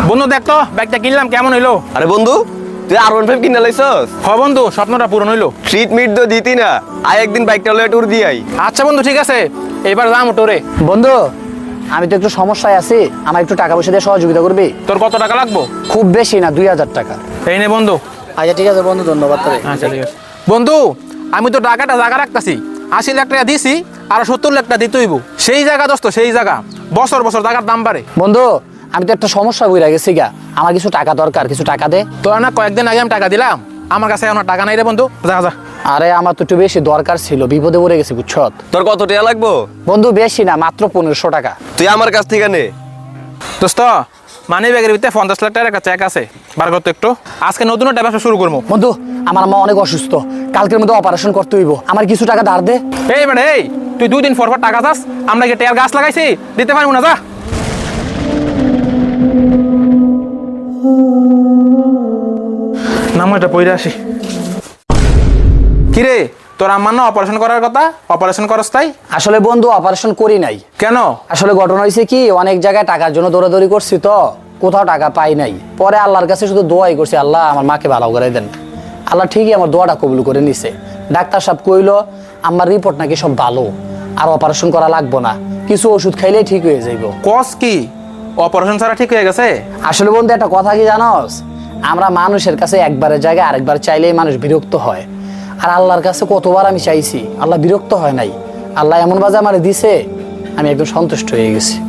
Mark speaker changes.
Speaker 1: বন্ধু দেখ তো ব্যাগটা কিনলাম কেমন হইলো?
Speaker 2: আরে বন্ধু, তুই R15 কিনে লাইছস?
Speaker 1: হ বন্ধু, স্বপ্নটা পূরণ হইলো।
Speaker 2: ট্রিট মিট তো দিতি না, আয় একদিন বাইকটা লয়ে ট্যুর দি আই।
Speaker 1: আচ্ছা বন্ধু ঠিক আছে, এবার যাম টোরে।
Speaker 3: বন্ধু, আমি তো একটু সমস্যায় আছি, আমার একটু টাকা পয়সা দিয়ে সহযোগিতা করবি?
Speaker 1: তোর কত টাকা লাগবো?
Speaker 3: খুব বেশি না, 2000 টাকা।
Speaker 1: এই নে বন্ধু।
Speaker 3: আচ্ছা ঠিক আছে বন্ধু, ধন্যবাদ তোরে।
Speaker 1: আচ্ছা ঠিক আছে বন্ধু, আমি তো টাকাটা জায়গা রাখতাছি, 80 লাখ টাকা দিছি আর 70 লাখ টাকা দিতে হইব। সেই জায়গা দোস্ত, সেই জায়গা বছর বছর টাকার দাম বাড়ে।
Speaker 3: বন্ধু, আমি তো একটা সমস্যা বইরা গেছি গা, আমার কিছু টাকা দরকার, কিছু টাকা দে।
Speaker 1: তোরা না কয়েকদিন আগে আমি টাকা দিলাম, আমার কাছে এখন আর টাকা নাই রে বন্ধু। যা যা।
Speaker 3: আরে আমার তো একটু বেশি দরকার ছিল, বিপদে পড়ে গেছি বুঝছত।
Speaker 2: তোর কত টাকা লাগবো?
Speaker 3: বন্ধু বেশি না, মাত্র 1500 টাকা।
Speaker 2: তুই আমার কাছ থেকে নে।
Speaker 1: দোস্ত, মানি ব্যাগের ভিতরে 50 লাখ টাকার একটা চেক আছে, বার করতো একটু। আজকে নতুন একটা ব্যবসা শুরু করবো।
Speaker 3: বন্ধু, আমার মা অনেক অসুস্থ, কালকের মধ্যে অপারেশন করতে হইব, আমার কিছু টাকা ধার দে।
Speaker 1: এই মানে এই, তুই 2 দিন পর পর টাকা চাস? আমরা কি টেয়ার গাছ লাগাইছি, দিতে পারবো না? যা। নামটা পইরা আসি। কিরে, তোর আম্মার না অপারেশন করার কথা, অপারেশন করস তাই?
Speaker 3: আসলে বন্ধু অপারেশন করি নাই।
Speaker 1: কেন?
Speaker 3: আসলে ঘটনা হয়েছে কি, অনেক জায়গায় টাকার জন্য দৌড়াদৌড়ি করছি তো কোথাও টাকা পাই নাই। পরে আল্লাহর কাছে শুধু দোয়াই করছি, আল্লাহ আমার মাকে ভালো করে দেন। আল্লাহ ঠিকই আমার দোয়াটা কবুল করে নিছে। ডাক্তার সাহেব কইলো আমার রিপোর্ট নাকি সব ভালো, আর অপারেশন করা লাগবো না, কিছু ওষুধ খাইলেই ঠিক হয়ে যাইব।
Speaker 1: কস কি, অপারেশন ছাড়া ঠিক হয়ে গেছে?
Speaker 3: আসলে বন্ধু একটা কথা কি জানোস, আমরা মানুষের কাছে একবারের জায়গায় আরেকবার চাইলেই মানুষ বিরক্ত হয়, আর আল্লাহর কাছে কতবার আমি চাইছি, আল্লাহ বিরক্ত হয় নাই। আল্লাহ এমন বাজে আমার দিছে, আমি একদম সন্তুষ্ট হয়ে গেছি।